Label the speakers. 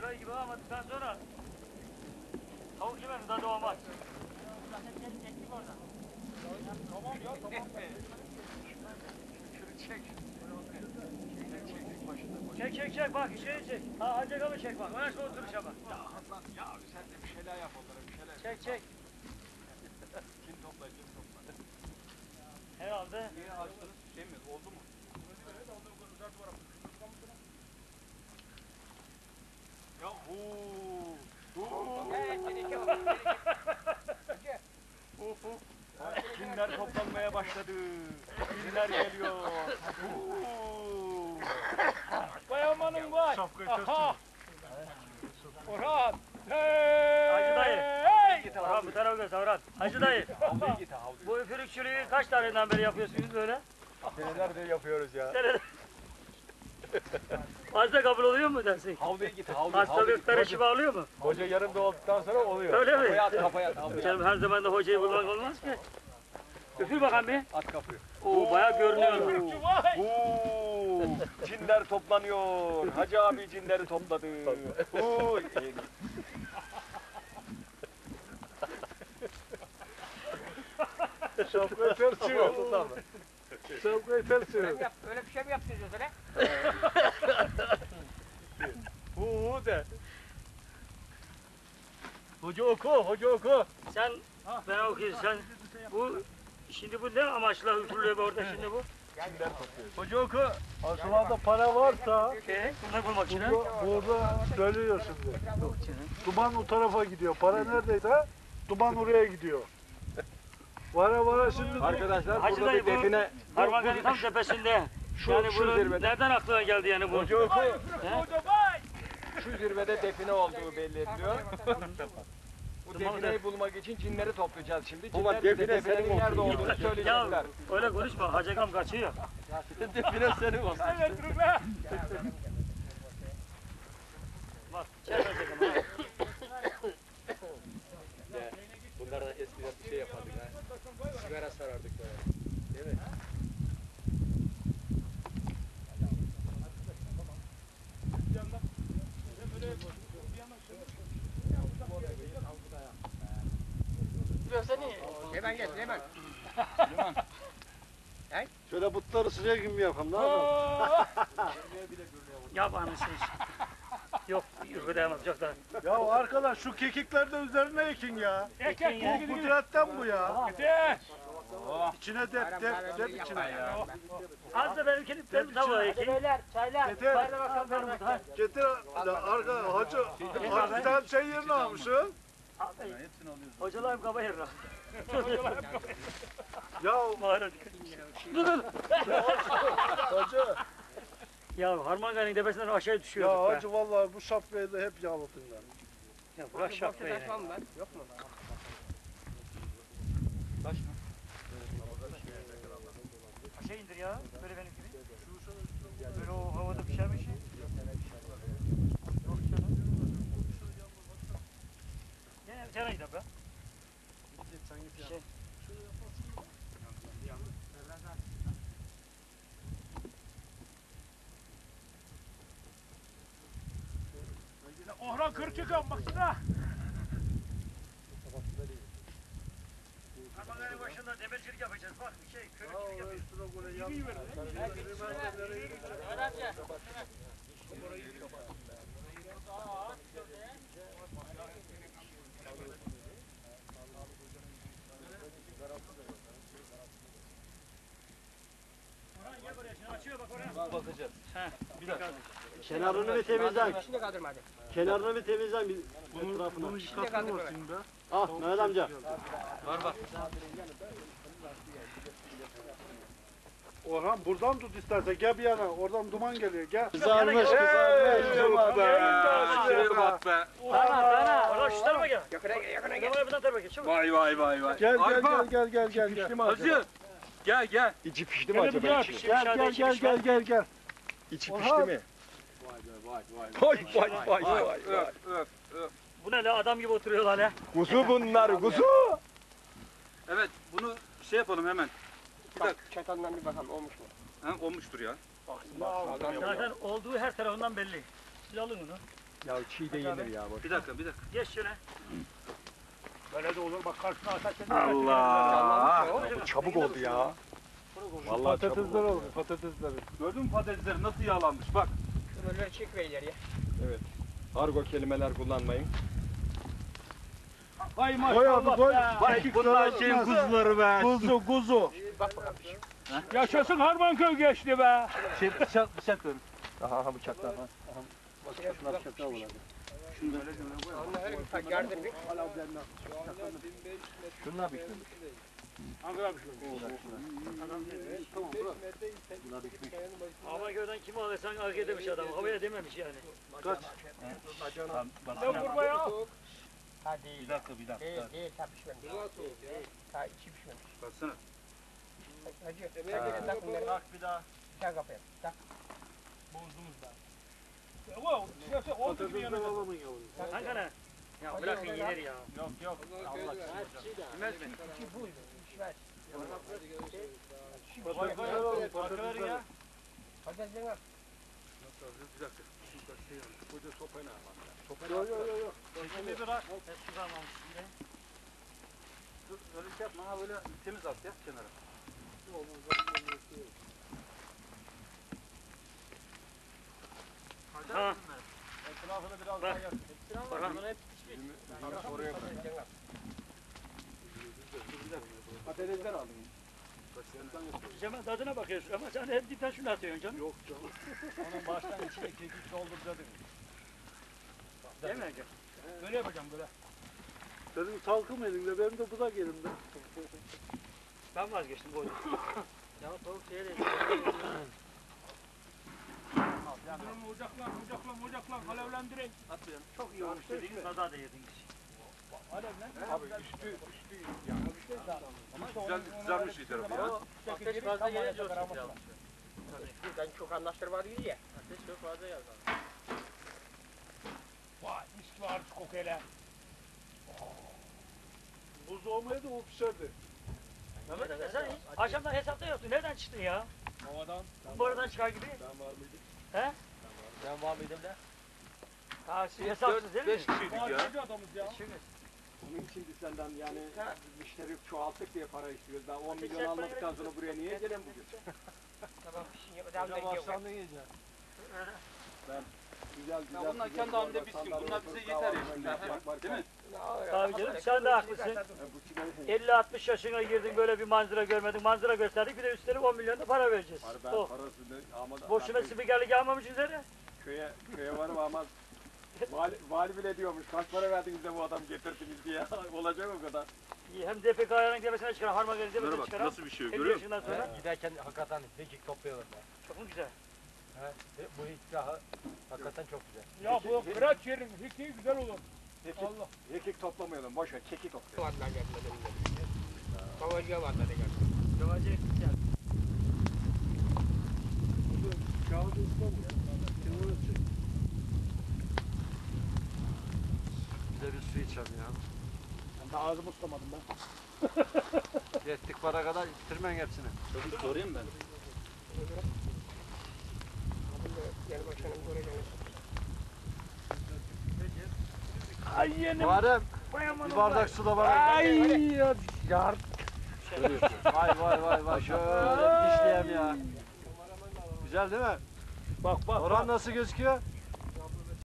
Speaker 1: köy gibi almadıktan sonra tavuk yemenin tadı olmaz.
Speaker 2: Tamam ya tamam.
Speaker 1: Çek bak şeyi çek. Ha Hacı Gam'ı çek bak. Öyle oturuşa bak.
Speaker 2: Ya Hasan ya sen de bir şeyler yap onlara bir şeyler.
Speaker 1: Çek.
Speaker 2: Kim topla.
Speaker 1: Herhalde.
Speaker 2: Niye açtınız? Şey mi? Oldu mu? Ya Cinler toplanmaya başladı. Cinler geliyor. Vay amanın vay. Aha. Orhan.
Speaker 1: Hacı dayı. Orhan bu tarafa göster Orhan. Hacı dayı. Bu üfürükçülüğü kaç taneden beri yapıyorsunuz böyle?
Speaker 2: Senelerdir yapıyoruz ya.
Speaker 1: Fazla kabul oluyor mu dersin?
Speaker 2: Havluya git havluya.
Speaker 1: Hastalıklara şifa oluyor mu?
Speaker 2: Hoca yanımda olduktan sonra oluyor.
Speaker 1: Öyle mi?
Speaker 2: Kafaya at.
Speaker 1: Canım her zaman da hocayı bulmak olmaz ki. Üfür bakalım bir.
Speaker 2: At kapıyı.
Speaker 1: Oo bayağı görünüyor.
Speaker 2: Cinler toplanıyor. Hacı abi cinleri topladı.
Speaker 3: Şapkayı ters çevir. Şapkayı ters çevir.
Speaker 4: Öyle bir şey mi yaptıracağız öyle?
Speaker 3: De. Hoca oku.
Speaker 1: Sen ben okuyayım sen şimdi bu ne amaçla üfürülüyor orada şimdi bu?
Speaker 3: Hoca oku. Aslında para varsa
Speaker 1: Bunu bulmak için.
Speaker 3: burada söylüyor şimdi.
Speaker 1: Yok canım.
Speaker 3: Duman o tarafa gidiyor. Para neredeyse duman oraya gidiyor. Vara şimdi.
Speaker 2: Arkadaşlar
Speaker 1: Hacı
Speaker 2: burada
Speaker 1: dayı
Speaker 2: bir define.
Speaker 1: Harmangan'ın tam tepesinde. Yani
Speaker 2: şu
Speaker 1: bunu
Speaker 2: zirvede.
Speaker 1: nereden aklına geldi yani bu?
Speaker 2: Hoca oku. Şu zirvede define olduğu belli ediliyor. Bu defineyi bulmak için cinleri toplayacağız şimdi. Cinler bize definenin nerede olduğunu
Speaker 1: Ya
Speaker 2: söyleyecekler.
Speaker 1: öyle konuşma Hacagam kaçıyor.
Speaker 2: Define senin olsun.
Speaker 1: Bak çek Hacagam.
Speaker 2: Bunlardan eskiden bir şey yapardık ha. Sigara sarardık böyle. Değil mi?
Speaker 4: Hemen.
Speaker 3: Şöyle butları sıcak gibi yapalım. Ne yapalım?
Speaker 1: Yap anasını. Yok yürüyemez çok da.
Speaker 3: Ya arkadaş şu kekikler de üzerine ekin ya. Bu kudretten bu ya. İçine dep içine ya.
Speaker 1: Az da benimkini benim tavuğa ekeyim.
Speaker 4: Çaylar.
Speaker 3: Getir.
Speaker 1: Bakalım benim ha.
Speaker 3: Getir arka hacı sen şey yerine almışsın.
Speaker 1: Hocalarım kaba yerine.
Speaker 3: Ya
Speaker 1: Mağara.
Speaker 3: hacı.
Speaker 1: Ya Harmangan'ın tepesinden aşağı düşüyor.
Speaker 3: Ya hacı vallahi bu şapkayı da hep yağladın lan.
Speaker 1: Ya bırak şapkayı.
Speaker 4: Yok mu?
Speaker 2: Taş mı?
Speaker 1: Aşağı indir ya. Böyle benim gibi. Böyle o havada pişer bir şey. Yok canım. Gel cana gidelim be. Bir şey.
Speaker 3: Orhan 40 yıkan baksana.
Speaker 1: Harmangan'ın başında demircilik yapacağız. Bak bir şey körükçülük yapıyoruz. Orhan gel buraya şimdi açıyor bak oraya.
Speaker 2: Bakacağız.
Speaker 1: Bir dakika.
Speaker 5: Kenarını bir temizlen.
Speaker 4: Şimdi kaldırma hadi.
Speaker 5: Kenarını bir temizlen bir etrafına.
Speaker 3: Bunu yıkatmıyorsun be.
Speaker 5: Al Mehmet amca.
Speaker 2: Var bak.
Speaker 3: Orhan buradan tut istersen gel bir yana. Oradan duman geliyor gel.
Speaker 5: Kızarmış.
Speaker 2: Şuraya bak be.
Speaker 1: Bana. Orhan şu tarafa gel.
Speaker 4: Yakına
Speaker 1: Orhan bu tarafa gel. Çabuk.
Speaker 2: Vay.
Speaker 3: Gel
Speaker 2: Arpa.
Speaker 3: gel.
Speaker 2: Hazır. Gel.
Speaker 5: İçi pişti mi acaba
Speaker 1: Gel,
Speaker 5: içi?
Speaker 3: Gel.
Speaker 5: İçi
Speaker 3: Orhan.
Speaker 5: pişti mi? Vay.
Speaker 2: Öf.
Speaker 1: Bu ne la adam gibi oturuyorlar ya.
Speaker 5: Kuzu bunlar kuzu.
Speaker 2: Evet bunu şey yapalım hemen. Bir dakika.
Speaker 4: Çatalından bir bakalım olmuş mu?
Speaker 2: Ha, olmuştur ya.
Speaker 1: Zaten olduğu her tarafından belli. Siz alın onu.
Speaker 5: Ya çiğ de yenir ya. Bak.
Speaker 3: Bir dakika.
Speaker 1: Geç şöyle.
Speaker 3: Böyle de olur bak karşına ateş
Speaker 5: Allah! Çabuk oldu ya. Vallahi çabuk
Speaker 3: Patatesler
Speaker 5: oldu.
Speaker 3: oldu patatesler. Gördün mü patatesleri nasıl yağlanmış bak.
Speaker 4: Böyle çek ver ileriye.
Speaker 5: Evet. Argo kelimeler kullanmayın.
Speaker 3: Vay maşallah be.
Speaker 5: Vay bunlar şeyin kuzuları be.
Speaker 3: Kuzu.
Speaker 4: Bak bakalım.
Speaker 3: Yaşasın Harmanköy geçti be. Bıçak verin.
Speaker 5: Aha bıçaklar.
Speaker 4: Şuna bıçaklar olur hadi. Onlar bir yardım bir.
Speaker 5: Şunlar pişmemiş.
Speaker 1: Hava gören kimi alırsan hak edemiş adam. Havaya dememiş yani.
Speaker 3: Ne kurba ya?
Speaker 4: Ha değil.
Speaker 3: Bir dakika.
Speaker 4: Değil ta pişmemiş. Değil. Ta içi pişmemiş.
Speaker 3: Baksana.
Speaker 4: Hacı. Tak bunları.
Speaker 1: Bak bir daha.
Speaker 4: Tak kapıya. Tak.
Speaker 1: Kanka ne? Ya bırakın yenir ya.
Speaker 3: Yok. Allah
Speaker 1: Yemez mi?
Speaker 4: İçi buydu. Pişmez.
Speaker 1: Farkı verin ya.
Speaker 4: Patatesden al.
Speaker 3: Yok.
Speaker 1: Çekimi bırak. Eski kalmamış şimdi.
Speaker 3: Öyle şey yapma ha böyle temiz at ya kenara.
Speaker 1: Ha.
Speaker 3: Etrafını biraz
Speaker 1: Bak.
Speaker 3: daha yap.
Speaker 1: Bakalım.
Speaker 5: Oraya koy. Patatesler aldım.
Speaker 1: Cemal tadına bakıyorsun ama sen hep dipten şunu atıyorsun canım.
Speaker 3: Yok canım. Onun baştan içine kekik doldur dedim.
Speaker 1: Değil mi Ege?
Speaker 3: Böyle yapacağım böyle. Senin salkım elinde benim de budak elimde.
Speaker 1: Ben vazgeçtim bu oyunu. Ya tavuk şeye de.
Speaker 3: Ocaklan alevlendirin.
Speaker 1: Çok iyi olmuş dediğiniz sada da yediniz.
Speaker 3: Abi üstü yani. Ama güzelmiş iyi tarafı ya.
Speaker 4: Ateş fazla gelince o çok yanlış. Ben çok anlaştırma değil ya. Ateş çok fazla yazar.
Speaker 3: Vay mis gibi artık kokuyla. Buz olmaya da o pişerdi.
Speaker 1: Mehmet sen hiç akşamdan hesapta yoktu. Nereden çıktın ya?
Speaker 3: Havadan.
Speaker 1: Bu aradan çıkar gibi.
Speaker 3: Ben var mıydım?
Speaker 1: He?
Speaker 5: Ben var mıydım da?
Speaker 1: Ha siz hesapsız değil mi?
Speaker 3: 5 kişiydik ya.
Speaker 4: Harcıcı adamız ya.
Speaker 1: Şimdi.
Speaker 5: Onun için biz senden yani müşteri çoğalttık diye para istiyoruz. Ben 10 milyon almadıktan sonra buraya niye gelen bugün?
Speaker 4: Tamam pişin yapacağım.
Speaker 3: yiyeceğim.
Speaker 5: Güzel.
Speaker 3: Ya bunlar kendi halinde bitsin. Bunlar bize yeter ya şimdi. Değil mi?
Speaker 1: Tabii canım sen de haklısın. 50-60 yaşına girdin böyle bir manzara görmedin. Manzara gösterdik bir de üstelik 10 milyon da para vereceğiz.
Speaker 5: Ben
Speaker 1: Oh.
Speaker 5: parasını ama
Speaker 1: Boşuna spikerlik almamış üzere.
Speaker 5: köye varım ama vali bile diyormuş. Kaç para verdiniz de bu adam getirdiniz diye. Olacak o kadar.
Speaker 1: İyi, hem DPK ayarının demesine çıkar, Harmagel'in demesine
Speaker 3: Bunlara bak
Speaker 1: çıkar.
Speaker 3: nasıl bir şey
Speaker 1: 50
Speaker 3: görüyor musun?
Speaker 1: yaşından sonra.
Speaker 6: Giderken hakikaten pekik topluyorlar be.
Speaker 1: Çok mu güzel?
Speaker 6: He? Bu ikrahı hakikaten çok güzel.
Speaker 3: Ya bu kıraç yerin hiki güzel olur. Allah.
Speaker 5: Hekik toplamayalım. Boş ver. Keki toplayalım.
Speaker 4: Varlar gelmeden önce. Kavacıya varlar geldi.
Speaker 1: Yavaşça güzel.
Speaker 6: Bize bir su içelim ya.
Speaker 3: Ben de ağzımı tutamadım ben.
Speaker 6: Yettik para kadar bitirmen hepsini.
Speaker 3: Çocuk sorayım ben.
Speaker 4: Gel başkanım buraya gelin.
Speaker 3: Ay yenim.
Speaker 6: Muharrem bir bardak su da bana.
Speaker 3: Ay ya.
Speaker 6: Vay şöyle dişleyem ya. Güzel değil mi?
Speaker 3: Bak.
Speaker 6: Orhan nasıl gözüküyor?